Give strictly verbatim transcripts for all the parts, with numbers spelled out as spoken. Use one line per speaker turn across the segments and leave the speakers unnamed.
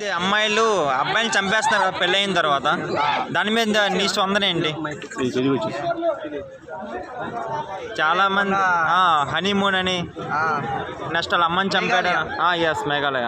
మంది అమ్మాయిలు అబ్బాయిని చంపేస్తున్నారు కదా పెళ్ళి అయిన తర్వాత, దాని మీద నీ స్పందన ఏంటి? చాలా మంది హనీమూన్ అని నెక్స్ట్ వాళ్ళ అమ్మని చంపాడు. ఎస్, మేఘాలయ.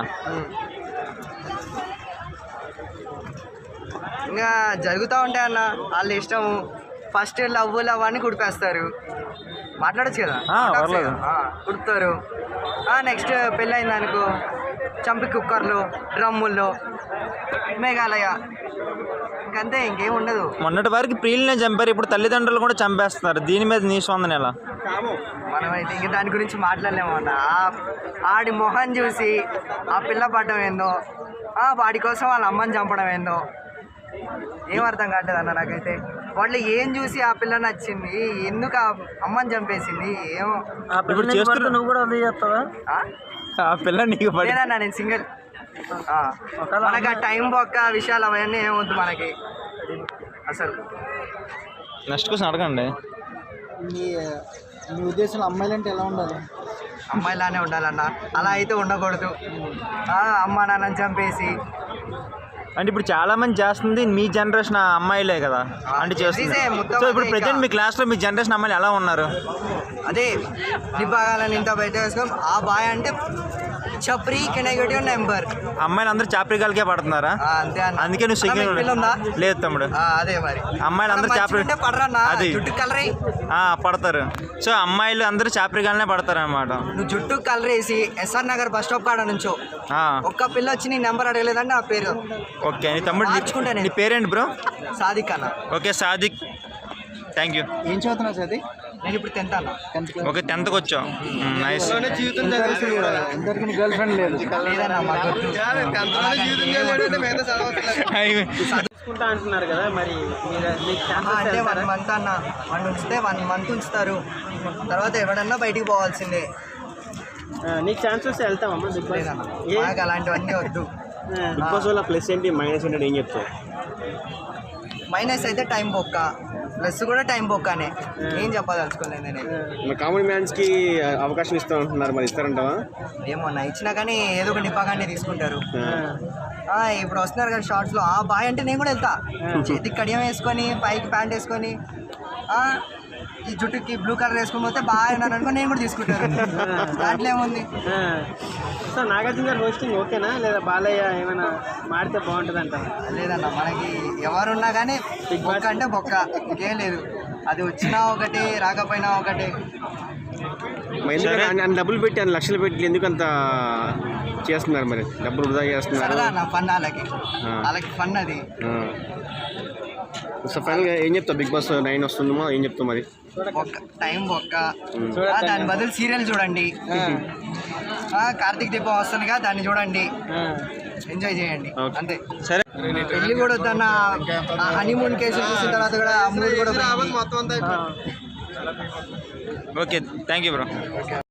ఇంకా జరుగుతూ ఉంటాయి అన్న, వాళ్ళ ఇష్టము. ఫస్ట్ లవ్ లవ్ అని కుడిపేస్తారు, మాట్లాడచ్చు కదా, కుడుతారు. నెక్స్ట్ పెళ్ళి అయింది అనుకో, చంపి కుక్కర్లు, డ్రమ్ముల్లో, మేఘాలయ, ఇంకంతే, ఇంకేం ఉండదు.
మొన్నటి వరకు ప్రియులనే చంపారు, ఇప్పుడు తల్లిదండ్రులు కూడా చంపేస్తున్నారు. దీని మీద నీ స్పందన ఎలా?
మనమైతే ఇంక దాని గురించి మాట్లాడలేము అన్న. ఆడి మొహం చూసి ఆ పిల్ల పడడం ఏందో, వాడి కోసం వాళ్ళ అమ్మని చంపడం ఏందో ఏం అర్థం కావట్లేదు అన్న నాకైతే. వాళ్ళు ఏం చూసి ఆ పిల్ల నచ్చింది, ఎందుకు ఆ అమ్మని చంపేసింది ఏమో.
నువ్వు కూడా అదే చేస్తావా? ఆ పిల్ల నీకు
లేదన్నా, నేను సింగిల్. మనకి ఆ టైం బొక్క విషయాలు అవన్నీ ఏమొద్దు మనకి అసలు.
నెక్స్ట్ క్వశ్చన్ అడగండి.
మీ మీ ఉద్దేశంలో అమ్మాయిలు అంటే ఎలా ఉండాలి?
అమ్మాయిలానే ఉండాలన్న, అలా అయితే ఉండకూడదు. అమ్మ నాన్నని చంపేసి
అంటే ఇప్పుడు చాలా మంది చేస్తుంది మీ జనరేషన్ అమ్మాయిలే కదా అంటే చేస్తుంది. సో ఇప్పుడు ప్రజెంట్ మీ క్లాస్లో మీ జనరేషన్ అమ్మాయిలు ఎలా ఉన్నారు?
అదే నిబాగాలని ఇంత బయట వేసుకో, ఆ బాయ్ అంటే చప్రీ నెగటివ్ నెంబర్.
అమ్మాయిలు అందరూ చాప్రికాలకే పడుతున్నారా?
అంతే,
అందుకే నువ్వు సింగిల్ ఉందా? లేదు తమ్ముడు,
అదే మరి
అమ్మాయిలు అందరూ చాప్రి అది పడతారు. సో అమ్మాయిలు అందరూ చాప్రికాలనే పడతారు అనమాట.
నువ్వు జుట్టు కలర్ వేసి ఎస్ఆర్ నగర్ బస్ స్టాప్ కాడ నుంచో ఒక్క పిల్ల వచ్చి నీ నెంబర్ అడగలేదంటే ఆ పేరు
ఓకే. నీ తమ్ముడు నేర్చుకుంటా. నీ పేరేంటి బ్రో?
సాదిక్ అన్న.
Okay Sadiq, thank you.
ఏం చదువుతున్నావు సాది?
నేను ఇప్పుడు టెన్త్ అన్న.
ఓకే, టెన్త్కి వచ్చావు, నైస్.
ఇంతవరకు గర్ల్ ఫ్రెండ్ లేదు?
చదువుకుంటా అంటున్నారు కదా, మరి అంటే వన్ మంత్ అన్న, వన్ ఉంచితే వన్ మంత్ ఉంచుతారు, తర్వాత ఎవడన్నా బయటికి పోవాల్సిందే.
నీకు ఛాన్స్ వస్తే వెళ్తామమ్మా బిగ్ బాస్?
నాకు అలాంటివన్నీ వద్దు.
బిగ్ బాస్ వల్ల ప్లస్ ఏంటి, మైనస్ ఏంటి, ఏం చెప్తావు?
మైనస్ అయితే టైం బొక్క, ప్లస్ కూడా టైం బొక్కనే, ఏం చెప్పదలుచుకోలేదు నేను.
మరి కామెడీ మ్యాన్స్కి అవకాశం ఇస్తా ఉంటున్నారు, మరి ఇస్తారంటావా?
ఏమో నా ఇచ్చినా కానీ ఏదో ఒక నిపాగానే తీసుకుంటారు. ఇప్పుడు వస్తున్నారు కదా షార్ట్స్లో, ఆ బాయ్ అంటే నేను కూడా వెళ్తా, చేతికి కడియం వేసుకొని పైకి ప్యాంట్ వేసుకొని ఈ జుట్టుకి బ్లూ కలర్ వేసుకొని పోతే బాగా ఉన్నాను అనుకో, నేను కూడా తీసుకుంటాను, దాంట్లో ఏముంది.
సో నాగార్జున గారు హోస్టింగ్ ఓకేనా, లేదా బాలయ్య ఏమైనా మారితే బాగుంటుంది అంట?
లేదన్న, మనకి ఎవరున్నా కానీ బొక్క అంటే బొక్క, ఇంకేం లేదు. అది వచ్చినా ఒకటి, రాకపోయినా ఒకటి.
డబ్బులు పెట్టి అన్ని లక్షలు పెట్టి ఎందుకు అంత చేస్తున్నారు, మరి డబ్బులు వృధా చేస్తున్నారు?
సరదా అన్న, ఫన్ వాళ్ళకి, వాళ్ళకి ఫన్ అది.
సో ఫైనల్గా ఏం చెప్తావు? బిగ్ బాస్ నైన్ వస్తుందేమో, ఏం చెప్తావు మరి?
ఒక్క టైం ఒక్క, దాని బదులు సీరియల్ చూడండి. కార్తీక్ దీపం వస్తుందిగా, దాన్ని చూడండి, ఎంజాయ్ చేయండి, అంతే.
సరే,
పెళ్ళి కూడా వద్దన్న, హనీమూన్ కేసు చూసిన తర్వాత కూడా మూడు కూడా
ఓకే, థ్యాంక్ యూ బ్రో.